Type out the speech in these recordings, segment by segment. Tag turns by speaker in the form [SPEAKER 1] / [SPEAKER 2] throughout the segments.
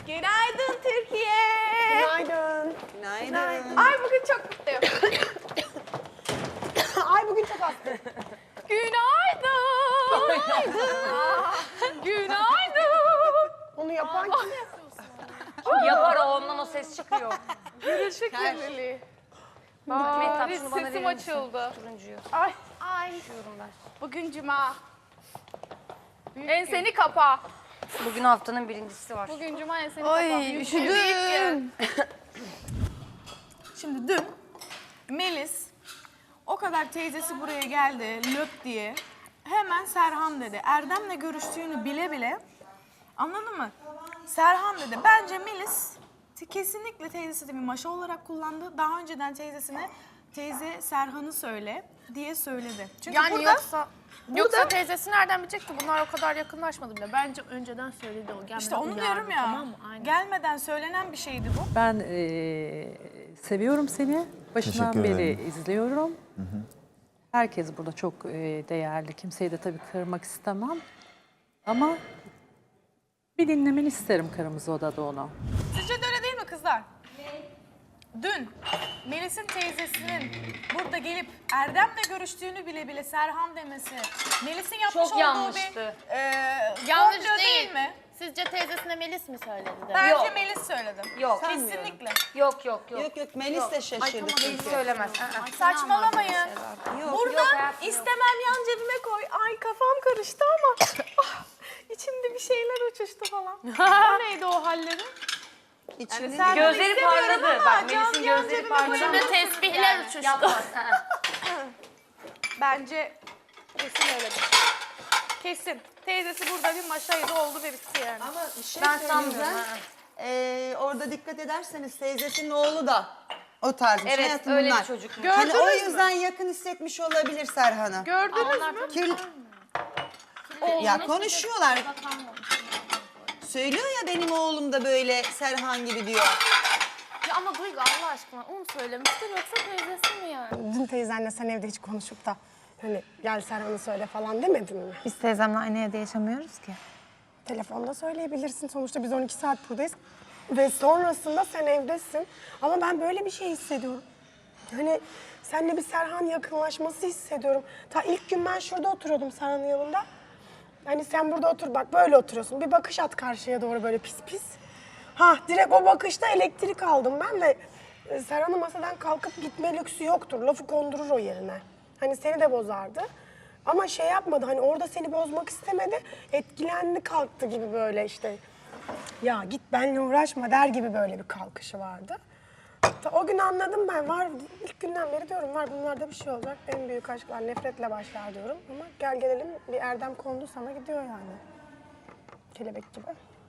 [SPEAKER 1] Günaydın Türkiye.
[SPEAKER 2] Günaydın.
[SPEAKER 3] Günaydın.
[SPEAKER 1] Ay bugün çok mutluyum.
[SPEAKER 2] Ay bugün çok hastayım.
[SPEAKER 1] Günaydın. Günaydın.
[SPEAKER 2] Onu yapan kim?
[SPEAKER 4] Yapar o, ondan o ses çıkıyor.
[SPEAKER 1] Gülüşü kirliliği.
[SPEAKER 4] Mehtap
[SPEAKER 1] Bari
[SPEAKER 4] şunu bana
[SPEAKER 1] sesim
[SPEAKER 4] verir misin?
[SPEAKER 1] açıldı.
[SPEAKER 4] Turuncuyu.
[SPEAKER 1] Ay.
[SPEAKER 4] Diyorum ben.
[SPEAKER 1] Bugün cuma. Enseni kapa.
[SPEAKER 4] Bugün haftanın birincisi var.
[SPEAKER 1] Bugün cuma enseni kapa.
[SPEAKER 3] Ay üşüdüm.
[SPEAKER 1] Şimdi dün Melis o kadar teyzesi buraya geldi löp diye hemen Serhan dedi. Erdem'le görüştüğünü bile bile anladın mı? Serhan dedi. Bence Melis kesinlikle teyzesi de bir maşa olarak kullandı. Daha önceden teyzesine teyze Serhan'ı söyle diye söyledi. Çünkü
[SPEAKER 5] Yani
[SPEAKER 1] burada,
[SPEAKER 5] yoksa teyzesi nereden bilecekti? Bunlar o kadar yakınlaşmadı bile. Bence önceden söyledi o. Gelmeden
[SPEAKER 1] işte onu
[SPEAKER 5] uyardı,
[SPEAKER 1] diyorum ya.
[SPEAKER 5] Tamam mı? Aynen.
[SPEAKER 1] Gelmeden söylenen bir şeydi bu.
[SPEAKER 6] Ben seviyorum seni. Başından
[SPEAKER 7] Teşekkür
[SPEAKER 6] beri
[SPEAKER 7] ederim.
[SPEAKER 6] izliyorum. Herkes burada çok değerli. Kimseyi de tabii kırmak istemem. Ama bir dinlemeni isterim Kırmızı Oda'da onu.
[SPEAKER 1] Sizce de öyle değil mi kızlar? Dün Melis'in teyzesinin burada gelip Erdem'le görüştüğünü bile bile Serhan demesi, Melis'in yapmış
[SPEAKER 4] Çok
[SPEAKER 1] olduğu
[SPEAKER 4] yanlıştı.
[SPEAKER 1] bir
[SPEAKER 5] Yanlış
[SPEAKER 1] komplo
[SPEAKER 5] değil.
[SPEAKER 1] mi?
[SPEAKER 5] Sizce teyzesine Melis mi söyledi de?
[SPEAKER 1] Bence
[SPEAKER 4] Yok.
[SPEAKER 1] Melis söyledi.
[SPEAKER 4] Yok.
[SPEAKER 1] Kesinlikle.
[SPEAKER 4] Yok.
[SPEAKER 3] Yok Melis de şaşırdı
[SPEAKER 4] Melis
[SPEAKER 3] çünkü.
[SPEAKER 4] söylemez.
[SPEAKER 1] Saçmalamayın. Burada
[SPEAKER 4] Yok hayatım,
[SPEAKER 1] istemem yan cebime koy. Ay kafam karıştı ama içimde bir şeyler uçuştu falan. O neydi o halleri?
[SPEAKER 3] İçini
[SPEAKER 1] sen-
[SPEAKER 4] Gözleri
[SPEAKER 1] İstemiyorum
[SPEAKER 4] parladı.
[SPEAKER 1] ama
[SPEAKER 4] Bak
[SPEAKER 1] can
[SPEAKER 4] Melis'in
[SPEAKER 1] yan
[SPEAKER 4] gözleri
[SPEAKER 1] cebime
[SPEAKER 4] parladı.
[SPEAKER 1] koyalım.
[SPEAKER 5] Şimdi tesbihler uçuştu.
[SPEAKER 4] Yapmaz.
[SPEAKER 1] Bence kesin öyledir. Kesin. Teyzesi burada bir maşaydı oldu ve bitti yani.
[SPEAKER 3] Ama bir şey
[SPEAKER 4] Ben
[SPEAKER 3] söyleyeceğim.
[SPEAKER 4] sanmıyorum.
[SPEAKER 3] Orada dikkat ederseniz teyzesinin oğlu da o tarz bir şey.
[SPEAKER 4] Evet,
[SPEAKER 3] Hayatım
[SPEAKER 4] öyle bir
[SPEAKER 3] bunlar.
[SPEAKER 4] çocuk.
[SPEAKER 3] Hani o
[SPEAKER 1] Gördünüz mü?
[SPEAKER 3] yüzden yakın hissetmiş olabilir Serhan'ı.
[SPEAKER 1] Gördünüz mü?
[SPEAKER 3] Ya konuşuyorlar. Söylüyor ya benim oğlum da böyle Serhan gibi diyor.
[SPEAKER 5] Ya ama Duygu Allah aşkına onu söylemiştir yoksa teyzesi mi yani?
[SPEAKER 2] Dün teyzenle sen evde hiç konuşup da hani gel Serhan'ı söyle falan demedin mi?
[SPEAKER 8] Biz teyzemle aynı evde yaşamıyoruz ki.
[SPEAKER 2] Telefonda söyleyebilirsin. Sonuçta biz 12 saat buradayız. Ve sonrasında sen evdesin. Ama ben böyle bir şey hissediyorum. Hani seninle bir Serhan yakınlaşması hissediyorum. Ta ilk gün ben şurada oturuyordum Serhan'ın yanında. Hani sen burada otur bak böyle oturuyorsun. Bir bakış at karşıya doğru böyle pis pis. Ha direkt o bakışta elektrik aldım ben de. Serhan'ın masadan kalkıp gitme lüksü yoktur. Lafı kondurur o yerine. Hani seni de bozardı. Ama şey yapmadı hani orada seni bozmak istemedi. Etkilendi kalktı gibi böyle işte. Ya git benimle uğraşma der gibi böyle bir kalkışı vardı. O gün anladım ben var ilk günden beri diyorum var bunlarda bir şey olacak. En büyük aşklar nefretle başlar diyorum. Ama gel gelelim bir erdem kondu sana gidiyor yani. Kelebek gibi.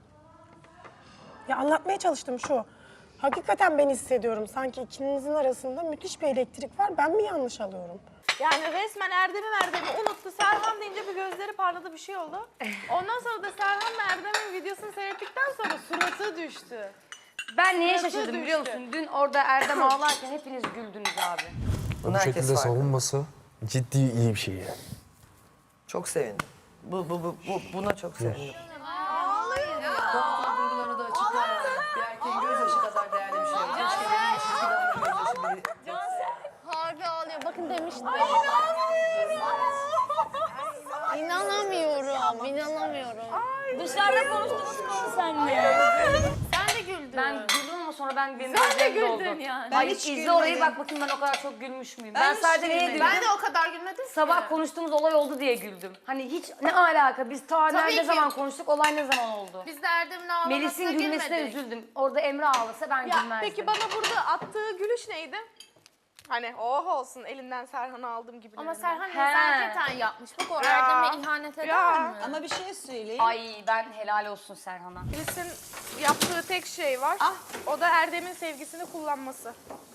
[SPEAKER 2] Ya anlatmaya çalıştım şu. Hakikaten ben hissediyorum. Sanki ikinizin arasında müthiş bir elektrik var. Ben mi yanlış alıyorum?
[SPEAKER 1] Yani resmen Erdem'i unuttu. Serhan deyince bir gözleri parladı bir şey oldu. Ondan sonra da Serhan'la Erdem'in videosunu seyrettikten sonra suratı düştü.
[SPEAKER 4] Ben neye
[SPEAKER 1] Suratı
[SPEAKER 4] şaşırdım biliyor
[SPEAKER 1] düştü.
[SPEAKER 4] musun? Dün orada Erdem ağlarken hepiniz güldünüz abi.
[SPEAKER 9] Bu şekilde savunması ciddi iyi bir şey yani.
[SPEAKER 10] Çok sevindim. Buna çok sevindim.
[SPEAKER 4] Duygularını da açıklar.
[SPEAKER 10] Bir erkeğin gözyaşı kadar değerli bir şey yok. Keşke benim çizgi damla gözyaşı
[SPEAKER 5] Harbi ağlıyor. Bakın demiştim. İnanamıyorum.
[SPEAKER 4] Dışarıda konuştunuz mu senle?
[SPEAKER 5] Sen de güldün.
[SPEAKER 4] Ben güldüm ama sonra benim
[SPEAKER 5] Sen de
[SPEAKER 4] gözlerim doldu.
[SPEAKER 5] güldün yani.
[SPEAKER 3] Ben
[SPEAKER 4] Hayır
[SPEAKER 3] hiç
[SPEAKER 4] izle orayı
[SPEAKER 3] gülmedim.
[SPEAKER 4] bak bakayım ben o kadar çok gülmüş müyüm?
[SPEAKER 3] Ben
[SPEAKER 4] Ben
[SPEAKER 3] hiç
[SPEAKER 4] sadece neye
[SPEAKER 3] gülmedim.
[SPEAKER 4] güldüm?
[SPEAKER 5] Ben de o kadar gülmedim ki.
[SPEAKER 4] Sabah konuştuğumuz olay oldu diye güldüm. Hani hiç ne alaka? Biz ta
[SPEAKER 5] Tabii
[SPEAKER 4] ne
[SPEAKER 5] ki.
[SPEAKER 4] zaman konuştuk, olay ne zaman oldu?
[SPEAKER 5] Biz de Erdem'in ağlamasına
[SPEAKER 4] Melis'in gülmesine
[SPEAKER 5] gülmedik.
[SPEAKER 4] üzüldüm. Orada Emre ağlasa ben
[SPEAKER 1] Ya
[SPEAKER 4] gülmezdim.
[SPEAKER 1] peki bana burada attığı gülüş neydi? Hani oh olsun elinden Serhan'ı aldım gibi.
[SPEAKER 5] Ama Serhan
[SPEAKER 4] He.
[SPEAKER 5] nezaketen yapmış. Bak o Erdem'e ihanet eder
[SPEAKER 1] Ya.
[SPEAKER 5] mi?
[SPEAKER 3] Ama bir şey söyleyeyim.
[SPEAKER 4] Ay ben helal olsun Serhan'a.
[SPEAKER 1] Melis'in yaptığı tek şey var. O da Erdem'in sevgisini kullanması.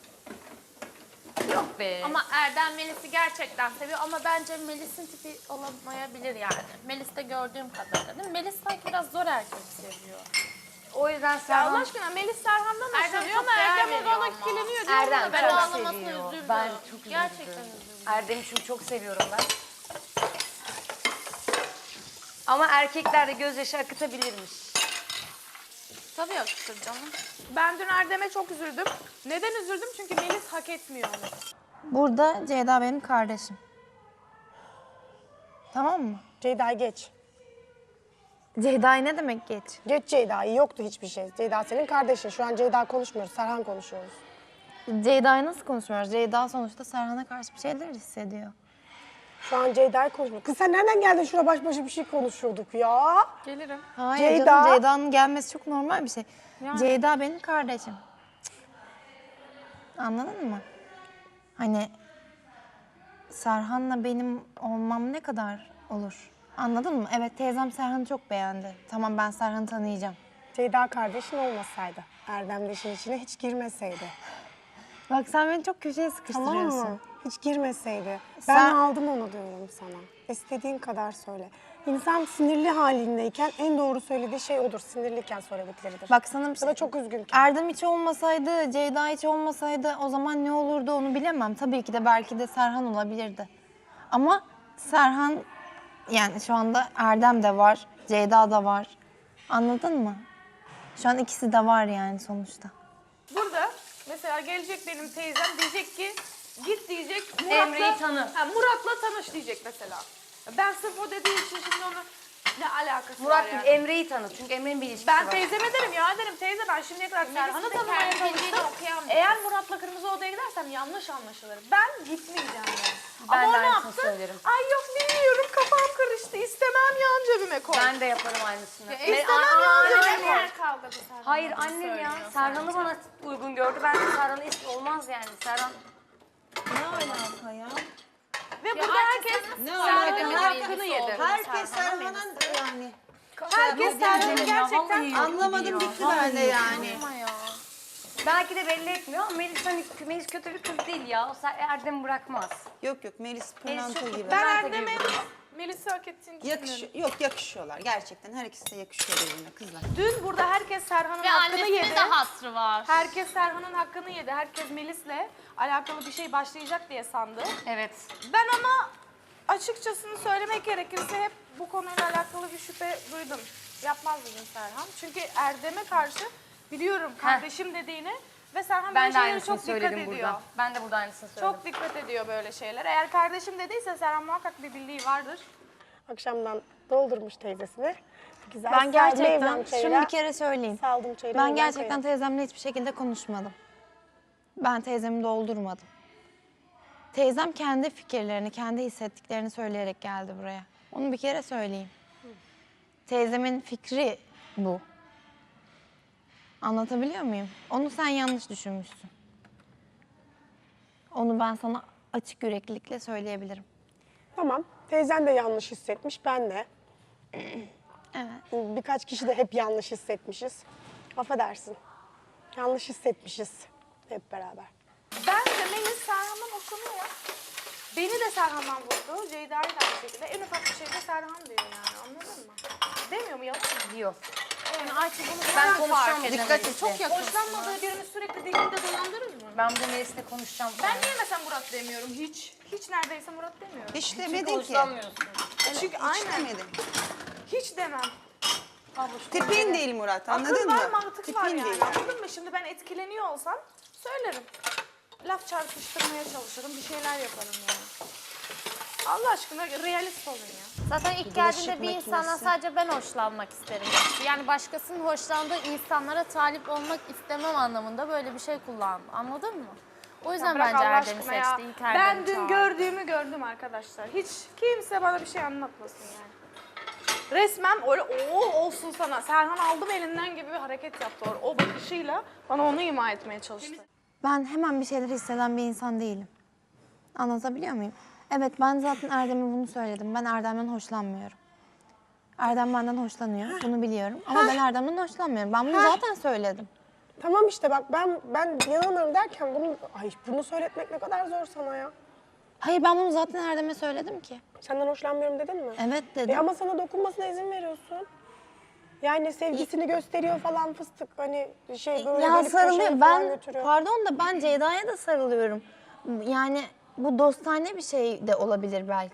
[SPEAKER 4] Yok be.
[SPEAKER 5] Ama Erdem Melis'i gerçekten seviyor ama bence Melis'in tipi olamayabilir yani. Melis'te gördüğüm kadarıyla değil mi? Melis sanki biraz zor erkek seviyor.
[SPEAKER 4] O yüzden
[SPEAKER 1] Ya
[SPEAKER 4] Serhan...
[SPEAKER 1] Allah aşkına Melis Serhan'dan
[SPEAKER 5] Erdem
[SPEAKER 1] hoşlanıyor
[SPEAKER 5] çok
[SPEAKER 1] ama
[SPEAKER 5] değer
[SPEAKER 1] Erdem
[SPEAKER 5] veriyor
[SPEAKER 1] ona
[SPEAKER 5] ama.
[SPEAKER 1] kileniyor diyor.
[SPEAKER 4] Erdem
[SPEAKER 1] buna
[SPEAKER 5] Ben
[SPEAKER 4] çok
[SPEAKER 5] ağlamasına
[SPEAKER 4] seviyor.
[SPEAKER 5] üzüldüm.
[SPEAKER 4] Ben çok üzüldüm.
[SPEAKER 5] Gerçekten üzüldüm.
[SPEAKER 4] Erdem'i çünkü çok seviyorum ben. Ama erkekler de gözyaşı akıtabilirmiş.
[SPEAKER 5] Tabii yakışır canım.
[SPEAKER 1] Ben dün Erdem'e çok üzüldüm. Neden üzüldüm? Çünkü Melis hak etmiyor onu.
[SPEAKER 8] Burada Ceyda benim kardeşim. Tamam mı?
[SPEAKER 2] Ceyda'yı geç.
[SPEAKER 8] Ceyda'yı ne demek geç?
[SPEAKER 2] Geç Ceyda'yı. Yoktu hiçbir şey. Ceyda senin kardeşin. Şu an Ceyda konuşmuyoruz. Serhan konuşuyoruz.
[SPEAKER 8] Ceyda'yı nasıl konuşmuyoruz? Ceyda sonuçta Serhan'a karşı bir şeyler hissediyor.
[SPEAKER 2] Şu an Ceyda'yı konuşmuyoruz. Kız sen nereden geldin? Şurada baş başa bir şey konuşuyorduk ya.
[SPEAKER 1] Gelirim.
[SPEAKER 8] Hayır
[SPEAKER 2] Ceyda.
[SPEAKER 8] canım, Ceyda'nın gelmesi çok normal bir şey. Ceyda benim kardeşim. Cık. Anladın mı? Hani Serhan'la benim olmam ne kadar olur? Anladın mı? Evet, teyzem Serhan'ı çok beğendi. Tamam, ben Serhan'ı tanıyacağım.
[SPEAKER 2] Ceyda kardeşin olmasaydı, Erdem de işin içine hiç girmeseydi.
[SPEAKER 8] Bak sen beni çok köşeye
[SPEAKER 2] Tamam
[SPEAKER 8] sıkıştırıyorsun.
[SPEAKER 2] mı? Hiç girmeseydi.
[SPEAKER 8] Sen-
[SPEAKER 2] Ben aldım onu diyorum sana. İstediğin kadar söyle. İnsan sinirli halindeyken en doğru söylediği şey odur. Sinirliyken söyledikleridir.
[SPEAKER 8] Bak sana bir
[SPEAKER 2] Ya
[SPEAKER 8] şey...
[SPEAKER 2] da çok üzgünken.
[SPEAKER 8] Erdem hiç olmasaydı, Ceyda hiç olmasaydı o zaman ne olurdu onu bilemem. Tabii ki de belki de Serhan olabilirdi. Ama Serhan, yani şu anda Erdem de var, Ceyda da var. Anladın mı? Şu an ikisi de var yani sonuçta.
[SPEAKER 1] Burada mesela gelecek benim teyzem diyecek ki git diyecek
[SPEAKER 4] Emre'yi tanı.
[SPEAKER 1] Murat'la tanış diyecek mesela. Ben sırf o dediği için şimdi onu ne alakası
[SPEAKER 4] Murat
[SPEAKER 1] var
[SPEAKER 4] değil,
[SPEAKER 1] yani?
[SPEAKER 4] Emre'yi tanı. Çünkü Emre'nin bir ilişkisi
[SPEAKER 1] Ben
[SPEAKER 4] var.
[SPEAKER 1] teyzeme derim ya derim teyze ben şimdiye kadar Serhan'ı
[SPEAKER 5] de
[SPEAKER 1] tanımaya
[SPEAKER 5] kendi bildiğini
[SPEAKER 1] çalıştım.
[SPEAKER 5] okuyan bir
[SPEAKER 1] Eğer Murat'la kırmızı odaya gidersem yanlış anlaşılır. Ben gitmeyeceğim yani.
[SPEAKER 4] Ben
[SPEAKER 1] Ama
[SPEAKER 4] de
[SPEAKER 1] o ne
[SPEAKER 4] aynısını
[SPEAKER 1] yaptı?
[SPEAKER 4] söylerim.
[SPEAKER 1] Ay yok bilmiyorum kafam karıştı istemem yan cebime koy.
[SPEAKER 4] Ben de yaparım aynısını.
[SPEAKER 1] istemem yan cebime koy.
[SPEAKER 5] Her kavgada Serhan
[SPEAKER 4] Hayır
[SPEAKER 5] bunu
[SPEAKER 4] annem ya.
[SPEAKER 5] söylüyor
[SPEAKER 4] Serhan'ı
[SPEAKER 5] sadece.
[SPEAKER 4] bana uygun gördü. Ben de Serhan'ı olmaz yani. Serhan
[SPEAKER 3] Ne alaka ya?
[SPEAKER 1] Ve burada herkes
[SPEAKER 3] Ne
[SPEAKER 1] Serhan'ın
[SPEAKER 3] alaka?
[SPEAKER 1] hakkını yedi.
[SPEAKER 3] Herkes Serhan'ın yani.
[SPEAKER 1] Herkes Serhan'ın gerçekten
[SPEAKER 3] Anlamadım gitti bende yani.
[SPEAKER 4] Ama ya. Belki de belli etmiyor ama Melis kötü bir kız değil ya. O Erdem'i bırakmaz.
[SPEAKER 3] Yok yok Melis pırlanta
[SPEAKER 4] çok-
[SPEAKER 3] gibi.
[SPEAKER 1] ben
[SPEAKER 4] Pırlanta
[SPEAKER 1] Erdem'e
[SPEAKER 4] gibi.
[SPEAKER 1] Melis'i hak ettiğini düşünüyorum.
[SPEAKER 3] Yok yakışıyorlar gerçekten. Her ikisi de yakışıyor birbirine kızlar.
[SPEAKER 1] Dün burada herkes Serhan'ın
[SPEAKER 5] Ve
[SPEAKER 1] hakkını
[SPEAKER 5] annesinin
[SPEAKER 1] yedi.
[SPEAKER 5] de hatırı var.
[SPEAKER 1] Herkes Serhan'ın hakkını yedi. Herkes Melis'le alakalı bir şey başlayacak diye sandı.
[SPEAKER 4] Evet.
[SPEAKER 1] Ben ama açıkçasını söylemek gerekirse hep bu konuyla alakalı bir şüphe duydum. Yapmaz dedim Serhan. Çünkü Erdem'e karşı biliyorum kardeşim dediğini ve Serhan
[SPEAKER 4] Ben
[SPEAKER 1] böyle
[SPEAKER 4] de
[SPEAKER 1] şeylere
[SPEAKER 4] aynısını
[SPEAKER 1] çok dikkat
[SPEAKER 4] söyledim
[SPEAKER 1] ediyor.
[SPEAKER 4] burada. Ben de burada aynısını söyledim.
[SPEAKER 1] Çok dikkat ediyor böyle şeyler. Eğer kardeşim dediyse Serhan muhakkak bir bildiği vardır.
[SPEAKER 2] Akşamdan doldurmuş teyzesini. Güzel
[SPEAKER 8] Ben
[SPEAKER 2] sardı
[SPEAKER 8] gerçekten,
[SPEAKER 2] evden çayıra.
[SPEAKER 8] şunu bir kere söyleyeyim.
[SPEAKER 2] Saldım çayıra.
[SPEAKER 8] Ben
[SPEAKER 2] evden
[SPEAKER 8] gerçekten
[SPEAKER 2] çayıra.
[SPEAKER 8] teyzemle hiçbir şekilde konuşmadım. Ben teyzemi doldurmadım. Teyzem kendi fikirlerini, kendi hissettiklerini söyleyerek geldi buraya. Onu bir kere söyleyeyim. Teyzemin fikri bu. Anlatabiliyor muyum? Onu sen yanlış düşünmüşsün. Onu ben sana açık yüreklilikle söyleyebilirim.
[SPEAKER 2] Tamam. Teyzen de yanlış hissetmiş. Ben de.
[SPEAKER 8] Evet.
[SPEAKER 2] Birkaç kişi de hep yanlış hissetmişiz. Affedersin. Yanlış hissetmişiz hep beraber.
[SPEAKER 1] Bence Melis Serhan'dan hoşlanıyor. Beni de Serhan'dan vurdu. Ceyda'yı da aynı şekilde. En ufak bir şeyde Serhan diyor yani anladın mı? Demiyor mu yalan mı?
[SPEAKER 4] Diyor.
[SPEAKER 1] Yani Ayça bunu
[SPEAKER 4] Ben
[SPEAKER 1] fark
[SPEAKER 4] konuşacağım
[SPEAKER 1] ettim.
[SPEAKER 4] Dikkat et.
[SPEAKER 1] Çok yakın. Hoşlanmadığı birini sürekli dilinde dolandırır mı?
[SPEAKER 4] Ben bu Melis'le konuşacağım.
[SPEAKER 1] Ben niye mesela Murat demiyorum hiç? Hiç neredeyse Murat demiyorum.
[SPEAKER 3] Hiç
[SPEAKER 4] Çünkü
[SPEAKER 3] demedin ki.
[SPEAKER 4] hoşlanmıyorsun.
[SPEAKER 1] Çünkü
[SPEAKER 3] Hiç
[SPEAKER 1] aynen.
[SPEAKER 3] demedin.
[SPEAKER 1] Hiç demem.
[SPEAKER 3] Tipin değil Murat
[SPEAKER 1] Akıl
[SPEAKER 3] anladın mı?
[SPEAKER 1] var mantık
[SPEAKER 3] Tipin
[SPEAKER 1] var yani
[SPEAKER 3] değil.
[SPEAKER 1] anladın mı? Şimdi ben etkileniyor olsam söylerim. Laf çarpıştırmaya çalışırım bir şeyler yaparım yani. Allah aşkına realist olun ya.
[SPEAKER 5] Zaten ilk geldiğinde bir insandan sadece ben hoşlanmak isterim. Yani başkasının hoşlandığı insanlara talip olmak istemem anlamında böyle bir şey kullandım. Anladın mı? O yüzden
[SPEAKER 1] Bırak
[SPEAKER 5] bence
[SPEAKER 1] Allah
[SPEAKER 5] Erdem'i
[SPEAKER 1] aşkına ya.
[SPEAKER 5] seçti. İlk Erdem'i
[SPEAKER 1] Ben dün
[SPEAKER 5] çağırdı.
[SPEAKER 1] gördüğümü gördüm arkadaşlar. Hiç kimse bana bir şey anlatmasın yani. Resmen öyle olsun sana. Serhan aldım elinden gibi bir hareket yaptı. O bakışıyla bana onu ima etmeye çalıştı.
[SPEAKER 8] Ben hemen bir şeyler hisseden bir insan değilim. Anlatabiliyor muyum? Evet, ben zaten Erdem'e bunu söyledim. Ben Erdem'den hoşlanmıyorum. Erdem benden hoşlanıyor, bunu biliyorum. Ama ben Erdem'den hoşlanmıyorum. Ben bunu zaten söyledim.
[SPEAKER 2] Tamam işte bak ben yanılırım derken bunu söyletmek ne kadar zor sana ya.
[SPEAKER 8] Hayır, ben bunu zaten Erdem'e söyledim ki.
[SPEAKER 2] Senden hoşlanmıyorum dedin mi?
[SPEAKER 8] Evet dedim.
[SPEAKER 2] Ama sana dokunmasına izin veriyorsun. Yani sevgisini gösteriyor falan fıstık hani böyle
[SPEAKER 8] Ya
[SPEAKER 2] gelip
[SPEAKER 8] sarılıyor.
[SPEAKER 2] köşeye falan
[SPEAKER 8] Ben,
[SPEAKER 2] götürüyor.
[SPEAKER 8] pardon da ben Ceyda'ya da sarılıyorum. Yani bu dostane bir şey de olabilir belki.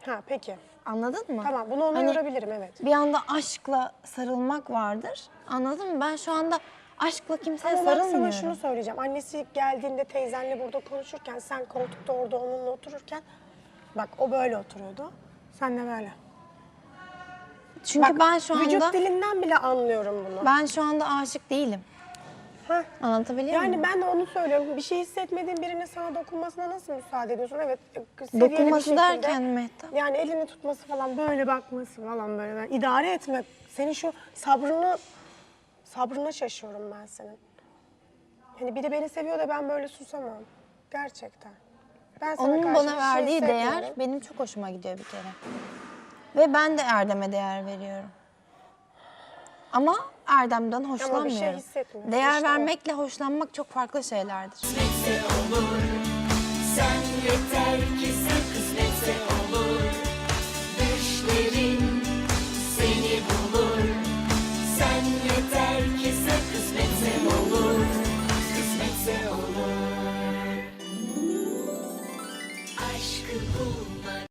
[SPEAKER 2] Ha peki.
[SPEAKER 8] Anladın mı?
[SPEAKER 2] Tamam bunu ona
[SPEAKER 8] Hani
[SPEAKER 2] yorabilirim evet.
[SPEAKER 8] bir anda aşkla sarılmak vardır. Anladın mı? Ben şu anda aşkla kimseye
[SPEAKER 2] Ama bak sana
[SPEAKER 8] sarılmıyorum.
[SPEAKER 2] şunu söyleyeceğim. Annesi geldiğinde teyzenle burada konuşurken, sen koltukta orada onunla otururken, bak o böyle oturuyordu. Sen de böyle.
[SPEAKER 8] Çünkü
[SPEAKER 2] Bak,
[SPEAKER 8] ben şu
[SPEAKER 2] vücut
[SPEAKER 8] anda
[SPEAKER 2] dilinden bile anlıyorum bunu.
[SPEAKER 8] ben şu anda aşık değilim.
[SPEAKER 2] Heh.
[SPEAKER 8] Anlatabiliyor muyum?
[SPEAKER 2] Yani ben de onu söylüyorum. Bir şey hissetmediğin birinin sana dokunmasına nasıl müsaade ediyorsun? Evet. seviyeli bir
[SPEAKER 8] Dokunması
[SPEAKER 2] şekilde.
[SPEAKER 8] derken Mehtap.
[SPEAKER 2] Yani elini tutması falan, böyle bakması falan böyle. Ben idare etmek. Senin şu sabrına şaşıyorum ben senin. Yani biri beni seviyor da ben böyle susamam. Gerçekten. Ben sana
[SPEAKER 8] Onun
[SPEAKER 2] karşı
[SPEAKER 8] bana
[SPEAKER 2] bir şey
[SPEAKER 8] verdiği değer
[SPEAKER 2] hissetmiyorum.
[SPEAKER 8] benim çok hoşuma gidiyor bir kere. Ve ben de Erdem'e değer veriyorum. Ama Erdem'den hoşlanmıyorum.
[SPEAKER 2] hissetmiyorsun,
[SPEAKER 8] Değer
[SPEAKER 2] işte o.
[SPEAKER 8] vermekle hoşlanmak çok farklı şeylerdir.
[SPEAKER 7] Sen yeter ki sen kısmetse olur. Düşlerin seni bulur. Sen yeter ki sen kısmetse olur. Kısmetse olur. Aşkı bulmak